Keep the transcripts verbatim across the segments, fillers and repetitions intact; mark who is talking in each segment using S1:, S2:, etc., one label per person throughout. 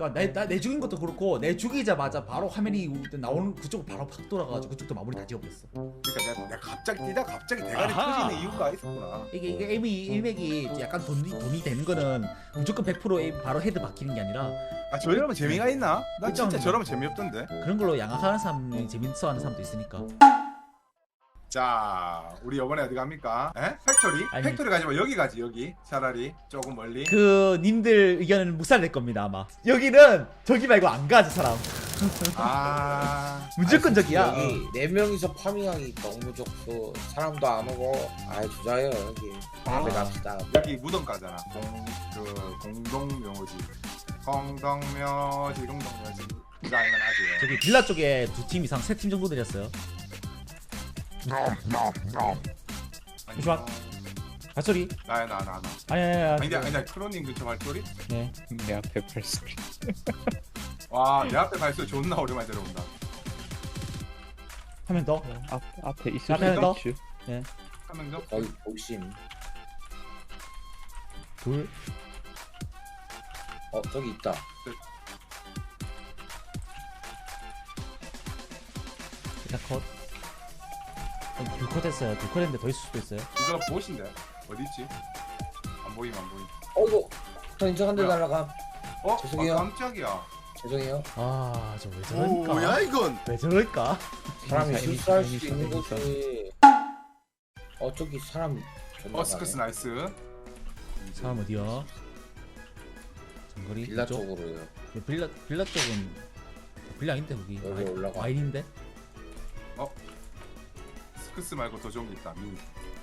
S1: 그러니까 내, 나, 내 죽인 것도 그렇고 내 죽이자마자 바로 화면이 나오는 그쪽 바로 팍 돌아가가지고 그쪽도 마무리 다 지어버렸어.
S2: 그러니까 내가, 내가 갑자기 뛰다 갑자기 대가리 터지는 이유가 있었구나.
S1: 이게 이게 에임이 일맥이 약간 돈이 돈이 되는 거는 무조건 백 퍼센트 에임 바로 헤드 박히는 게 아니라
S2: 아 저러면 재미가 있나? 나 진짜
S1: 그쵸.
S2: 저러면 재미없던데.
S1: 그런 걸로 양악하는 사람이 재밌어하는 사람도 있으니까.
S2: 자 우리 이번에 어디 갑니까? 에? 팩토리?
S1: 아니.
S2: 팩토리 가지 마. 여기 가지 여기. 차라리 조금 멀리.
S1: 그 님들 의견은 묵살될 겁니다 아마. 여기는 저기 말고 안 가 저 사람.
S2: 아
S1: 무조건 저기야.
S3: 여기 네 명이서 파밍하기 너무 좋고 사람도 안 오고 아이 좋아요 여기. 다음에 갑시다.
S2: 여기 무덤 가잖아. 공, 그 공동묘지. 공동묘지 공동묘지. 이거 알면 아세요?
S1: 저기 빌라 쪽에 두 팀 이상 세 팀 정도 내렸어요. 잠시만. 발소리.
S2: 나야 나 나 나.
S1: 아니 아니 아니.
S2: 아니 아니 크로닝 근처 발소리?
S1: 네.
S4: 내 앞에 발소리.
S2: 와 내 앞에 발소리 존나 오랜만에 들어온다.
S1: 한 명 더.
S4: 앞 앞에 있을
S1: 앞에 더?
S4: 수도 있지.
S2: 한 명 더.
S3: 거기 보심.
S1: 둘.
S3: 어 저기 있다.
S1: 일단 컷. 어, 둘컷 했어요. 둘컷 했는데 더 있을 수도 있어요.
S2: 이거 보신데 어디 있지? 안 보임 안 보임.
S3: 어이구 저 인정한 데
S2: 뭐야?
S3: 날라가.
S2: 어?
S3: 죄송해요.
S2: 아, 깜짝이야.
S3: 죄송해요.
S1: 아, 저 왜
S2: 오,
S1: 저럴까?
S2: 뭐야 이건?
S1: 왜 저럴까?
S3: 사람이
S4: 이미
S3: 실수할
S4: 이미
S3: 수 있는
S4: 이미
S3: 거지. 어 저기 사람. 존나
S2: 어 스크스
S3: 많네.
S2: 나이스.
S1: 사람 어디야? 장거리
S3: 빌라
S1: 이쪽?
S3: 쪽으로요.
S1: 그 빌라 빌라 쪽은 빌라 아닌데 거기.
S3: 여기
S1: 와인-
S3: 올라가.
S1: 와인인데?
S2: 스크스 말고 더 좋은 게 있다. 미니.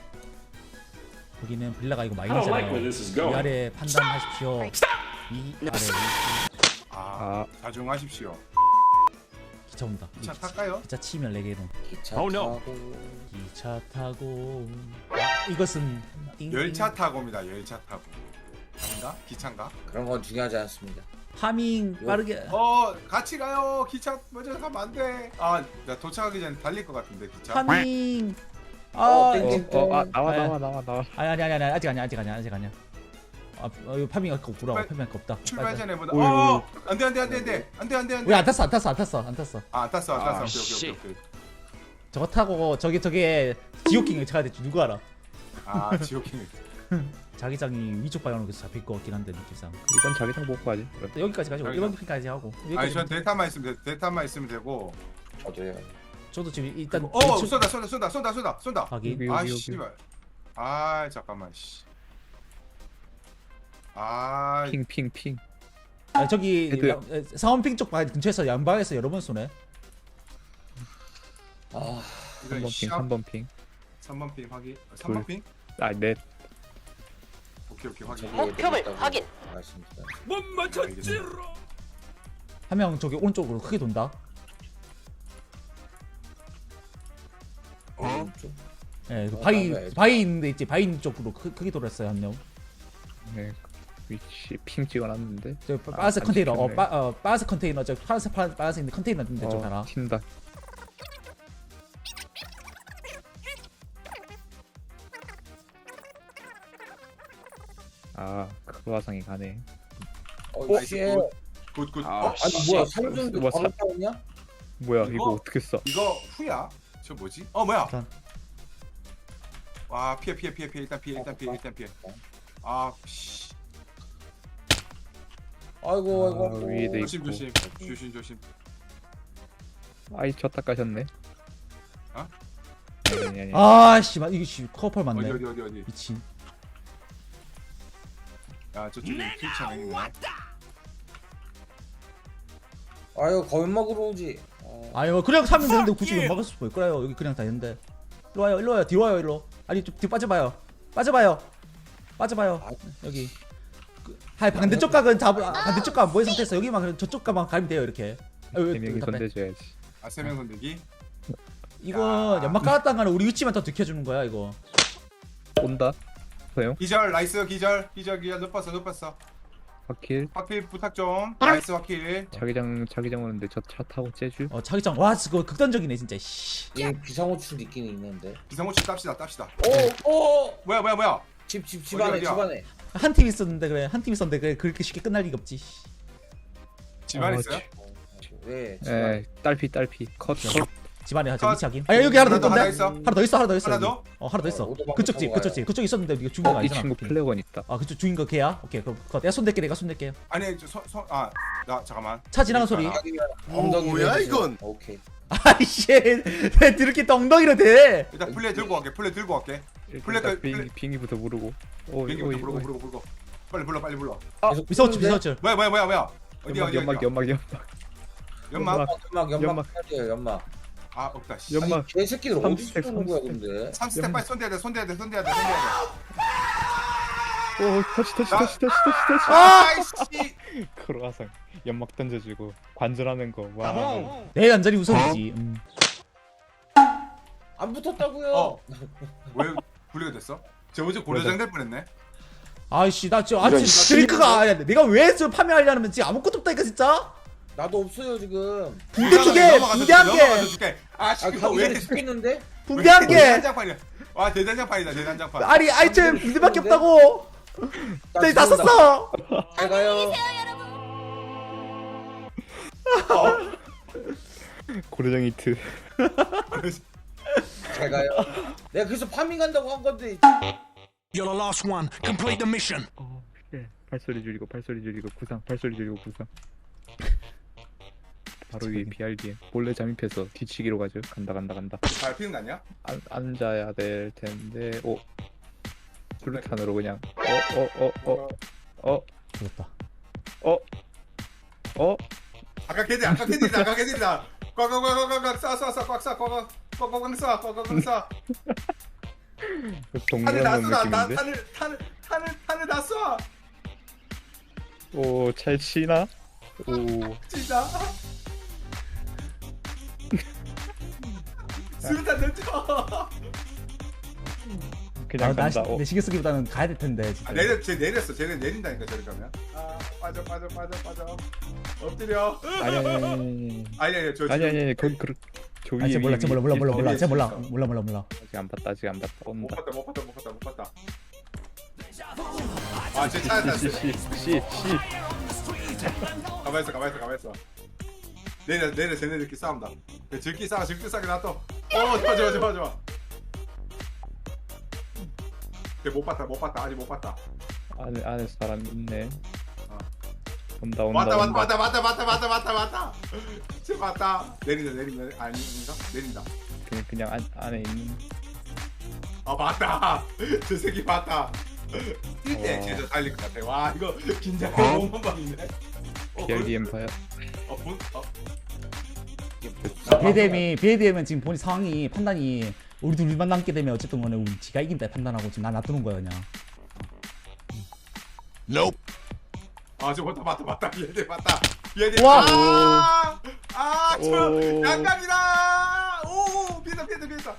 S1: 거기는 빌라가 아니고
S5: I don't like where
S1: 마인이잖아요.
S5: this is
S1: 이
S5: going.
S1: 아래 판단하십시오. 이 아래
S2: 아,
S4: 아
S2: 자중하십시오.
S1: 기차 온다.
S2: 기차
S1: 기-
S2: 탈까요?
S1: 기차 치면 네 개로.
S3: 기차
S5: Oh, no.
S3: 타고.
S1: 기차 타고. 아, 이것은 띵-
S2: 열차 타고입니다. 열차 타고. 아닌가? 기차인가?
S3: 그런 건 중요하지 않습니다.
S1: 파밍 빠르게.
S2: 어, 같이 가요. 기차 먼저 가면 안 돼. 아, 나 도착하기 전에 달릴 것 같은데 기차.
S1: 파밍. 아,
S3: 어,
S1: 어,
S3: 땡땡.
S4: 어, 아, 나와
S1: 네.
S4: 나와 나와 나와.
S1: 아니 아니 아니 아니 아직 아니야 아직 아니야 아직 아니야. 아, 어, 이거 파밍할 거 없구나.
S2: 출발-
S1: 파밍할 거 없다.
S2: 출발 전에 보다.
S1: 오이,
S2: 어, 안돼 안돼 안돼 안돼 안돼 안돼 안돼.
S1: 왜안 탔어 안 탔어 안 탔어 안 탔어.
S2: 아, 안 탔어 안 탔어.
S5: 아,
S2: 오케이
S5: 씨.
S2: 오케이 오케이. 오케이.
S1: 저거 타고 저기 저게 지옥킹을 쳐야 될지 누구 알아?
S2: 아, 지옥행.
S1: 자기장이 위쪽 방향으로 계속 잡힐 것 같긴 한데 느낌상.
S4: 이건 자기장 못 가지.
S1: 또 여기까지 가지고
S2: 자기장.
S1: 일반 핑까지 하고.
S2: 아니,
S1: 여기까지.
S2: 전 데이터만 있으면 돼. 데이터만 있으면 되고.
S3: 저도요.
S1: 저도 지금 일단
S2: 어,
S1: 대충
S2: 쏜다 쏜다 쏜다 쏜다 쏜다 쏜다.
S1: 확인.
S4: 여기
S2: 아,
S4: 여기 여기.
S2: 씨발. 아, 잠깐만 씨. 아,
S4: 핑핑 핑.
S1: 아, 저기
S4: 헤드.
S1: 야- 에, 상원핑 쪽 방- 근처에서 양방에서 여러 번 쏘네.
S3: 아
S2: 이거
S4: 삼 번 핑,
S2: 샵
S4: 삼 번 핑.
S2: 삼 번 핑 확인. 삼 번 핑?
S4: 아, 넷.
S2: 오케이 오케이 확인.
S3: 목표물 확인. 알겠습니다.
S1: 한 명 저기 오른쪽으로 크게 돈다.
S2: 어?
S3: 좀
S1: 예, 그
S3: 어,
S1: 바위
S3: 나가야지.
S1: 바위 있는데 있지 바위 쪽으로 크, 크게 돌았어요 한 명.
S4: 네. 위치 핑 찍어놨는데.
S1: 저 빠- 빠스
S4: 안
S1: 컨테이너 어,
S4: 찍혔네.
S1: 빠, 어 빠스 컨테이너 저 파란색 파- 빠스 있는 컨테이너 있는데 좀 하나.
S4: 어, 튄다. 아, 그 화상이 가네.
S3: 어
S2: 나이스,
S3: 이게
S2: 굿 굿.
S4: 아,
S2: 어,
S3: 아니 뭐야 삼중도
S4: 뭐
S3: 바로
S4: 사-
S3: 싸웠냐?
S4: 뭐야,
S2: 이거?
S4: 이거 어떻게 써?
S2: 이거 후야? 저 뭐지? 어 뭐야?
S1: 일단.
S2: 와 피해 피해 피해 피해 일단 피해 일단 피해 일단 피해. 아 씨.
S3: 아이고
S4: 아,
S3: 아이고.
S4: 위에도
S2: 조심
S4: 있고.
S2: 조심 조심 조심.
S4: 아이, 졌다 까셨네.
S2: 어?
S4: 아니, 아니, 아니.
S1: 아씨 이거 씨 커플
S2: 어디
S1: 맞네.
S2: 어디 어디 어디.
S1: 미친.
S2: 야 저쪽에 킬창 있네.
S3: 아유 거인 먹으러 오지. 어.
S1: 아유 그냥 사면 되는데 굳이 왜 막을 수 있을 거예요. 여기 그냥 다 있는데. 일로 와요 일로 와요 뒤로 와요 일로. 아니 좀 뒤로 빠져봐요. 빠져봐요. 빠져봐요.
S3: 아.
S1: 여기. 그, 하이 반대쪽 각은 잡 아, 반대쪽 각은 뭐의 상태에서 여기만 그냥 저쪽 각만 가면 돼요 이렇게. 아유,
S4: 세 명이
S1: 답답해.
S4: 손대줘야지.
S2: 아세 명 손대기.
S1: 이건
S2: 야.
S1: 연막 깔았다는 거는 우리 위치만 더 들켜주는 거야 이거.
S4: 온다. 소영.
S2: 기절 나이스 기절 기절 기절 높았어 높았어.
S4: 확킬.
S2: 확킬 부탁 좀. 나이스 확킬.
S4: 자기장 자기장 오는데 저 차 타고 제주.
S1: 어 자기장 와 그거 극단적이네 진짜. 씨.
S3: 얘 비상호출 있긴 있는데.
S2: 비상호출 땁시다 땁시다.
S3: 오오
S2: 뭐야 뭐야 뭐야.
S3: 집 집 집
S2: 어디,
S3: 안에
S2: 어디야?
S3: 집 안에.
S1: 한 팀 있었는데 그래 한 팀 있었는데 그래 그렇게 쉽게 끝날 리가 없지.
S2: 집안
S4: 어,
S2: 있어요?
S3: 네.
S4: 에 딸피 딸피 컷 컷.
S1: 집안에 하자
S2: 아,
S1: 위치 확인. 아 여기 하나 더
S2: 하나 더, 하나
S1: 있던데?
S2: 있어?
S1: 하나 더 있어 하나 더 있어.
S2: 하나
S1: 여기.
S2: 더?
S1: 어 하나 더 있어.
S3: 어, 오도방
S1: 그쪽 집
S3: 타고
S1: 그쪽
S3: 가요.
S1: 집 그쪽 있었는데 네가 죽인 거
S4: 어, 이
S1: 아니잖아.
S4: 친구 플래곤 있다.
S1: 아 그쪽 죽인 거 걔야? 오케이 그럼 그거 내가 손댈게 내가 손댈게.
S2: 아니 저손아나 잠깐만.
S1: 차 지나는 소리.
S3: 엉덩이
S5: 뭐야,
S3: 내리세요.
S5: 이건?
S3: 오케이.
S1: 아이씨 내 드럽게 엉덩이로 대.
S2: 일단 플레이 들고 갈게. 플레이 들고 갈게.
S4: 일단
S2: 플래그-
S4: 딱 비행기
S2: 플래-
S4: 비행기부터 부르고. 오
S2: 비행기부터
S4: 오
S2: 부르고
S4: 오.
S2: 부르고 부르고. 빨리 불러 빨리 불러.
S3: 계속
S1: 미서치
S3: 푸는데?
S1: 미서치.
S2: 뭐야 뭐야 뭐야 뭐야. 어디야
S4: 연막
S2: 어디야
S4: 연막
S2: 어디야.
S4: 연막 연막.
S2: 연막.
S3: 연막 연막
S4: 연막.
S3: 연막 해야돼요 연막.
S2: 아 없다. 씨.
S4: 연막.
S3: 아니 개새끼들
S4: 삼
S3: 어디
S4: 스택,
S3: 쏘는 거야
S4: 삼
S3: 근데.
S2: 삼 스택
S4: 연막.
S2: 빨리 손대야 돼 손대야 돼 손대야 돼 손대야 돼.
S4: 오 터치 터치
S2: 나-
S4: 터치 터치 터치 터치.
S2: 아이씨.
S4: 크로아상 연막 던져주고 관절하는 거. 와.
S1: 내 안전이 우선이지. 음.
S3: 안 붙었다고요.
S2: 어. 왜 분리가 됐어? 저 어제 고려장 될 뻔했네.
S1: 아이씨 나 지금 아직 드링크가 아니야. 내가 왜 저 파밍하려면 지금 아무것도 없다니까 진짜.
S3: 나도 없어요 지금.
S1: 붕대 쪽에 붕대 한 개.
S2: 아
S3: 아
S2: 지금
S3: 가기
S2: 왜
S3: 전에
S2: 이렇게
S3: 죽겠는데?
S1: 붕대 한 개.
S2: 대단장판이야. 와 대단장판이다 대단장판.
S1: 아니 아이템 붕대밖에 없다고.
S3: 나
S1: 나 다
S3: 죽는다.
S1: 썼어.
S3: 잘 가요.
S4: 고래장 히트.
S3: 잘 가요. 내가 그래서 파밍 간다고 한 건데.
S5: You're the last one. Complete the mission.
S4: 어, 예. 발소리 줄이고 발소리 줄이고 구상 발소리 줄이고 구상. 바로 위에 비알디에 몰래 잠입해서 뒤치기로 가죠. 간다 간다 간다.
S2: 잘 피는 거 아니야?
S4: 안, 앉아야 될 텐데. 오. 수류탄으로 그냥. 어어어어어 어.
S1: 죽었다.
S4: 어. 어.
S2: 아까 걔들 아까 걔들이다 아까 걔들이다. 꽉꽉꽉꽉꽉 쏴쏴쏴 꽉쏴 꽉꽉 꽉꽉 쏴 꽉꽉 쏴.
S4: 그
S2: 탄을 다
S4: 동그란
S2: 쏴. 나
S4: 느낌인데.
S2: 탄을 탄을 탄을 탄을 다 쏴.
S4: 오, 잘 치나? 오.
S2: 진짜. 수류탄 던져.
S4: 그냥
S1: 아, 나
S4: 간다.
S1: 시-
S4: 어.
S1: 내 신경 쓰기보다는 가야 될 텐데. 진짜.
S2: 아, 내려 쟤 내렸어. 쟤네 내린다니까 저리 가면. 아 빠져 빠져 빠져 빠져. 엎드려.
S4: 아니 아니 아니 아니
S2: 아니 아니 저
S4: 아니
S2: 지금-
S4: 아니 아니 거기 그 저 위에
S1: 아, 쟤 몰라,
S4: 위에,
S1: 쟤 몰라,
S4: 위에,
S1: 몰라,
S4: 위에
S1: 몰라, 몰라,
S2: 위에
S1: 쟤 몰라,
S2: 있어.
S1: 몰라, 몰라, 몰라.
S4: 아직 안 봤다 아직 안 봤다
S2: 못
S4: 온다.
S2: 봤다 못 봤다 못 봤다 못 봤다. 아쟤 찾았다.
S4: 씨씨씨씨
S2: 가만 있어 가만 있어 가만 있어. 내려 내려 쟤네들끼리 싸운다. 야, 즐기 싸워 즐기 싸게 놔둬. 어 좋아 좋아 좋아 좋아. 쟤못 봤다 못 봤다 아직 못 봤다.
S4: 안에 안에 사람 있네.
S2: 어.
S4: 온다 온다
S2: 맞다
S4: 온다.
S2: 맞다 맞다 맞다 맞다 맞다 맞다 맞다. 쟤 맞다. 내린다 내린다 아닌가 내린다.
S4: 그냥 그냥 안, 안에 있는.
S2: 아 맞다. 저 새끼 맞다. 뛸때
S4: 어.
S2: 진짜 달릴 것 같아. 와 이거 긴장감 너무 많네. 어,
S4: 비알디 엠파이어.
S2: 어, 본, 어.
S1: 비에디엠이 비에디엠은 지금 본인 상황이 판단이 우리 둘만 남게 되면 어쨌든 간에 우리 지가 이긴다 판단하고 지금 나 놔두는 거야 그냥.
S5: Nope.
S2: 아, 저 맞다, 맞다, 맞다. 얘들 맞다. 얘들.
S1: 와.
S2: 아, 아, 저
S4: 오.
S2: 양각이다. 오, 피했다, 피했다, 피했다.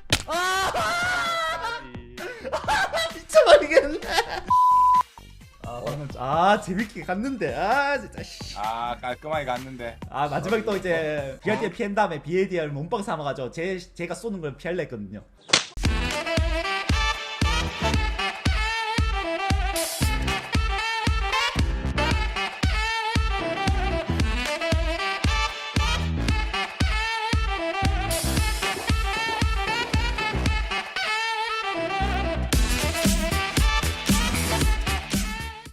S1: 미쳐버리겠네. 아 방금 아 재밌게 갔는데 아 진짜 씨.
S2: 아, 깔끔하게 갔는데.
S1: 아 마지막에 또 이제 비에디엠 피한 다음에 비에디엠을 몸빵 삼아가지고 제 제가 쏘는 걸 피할라 했거든요.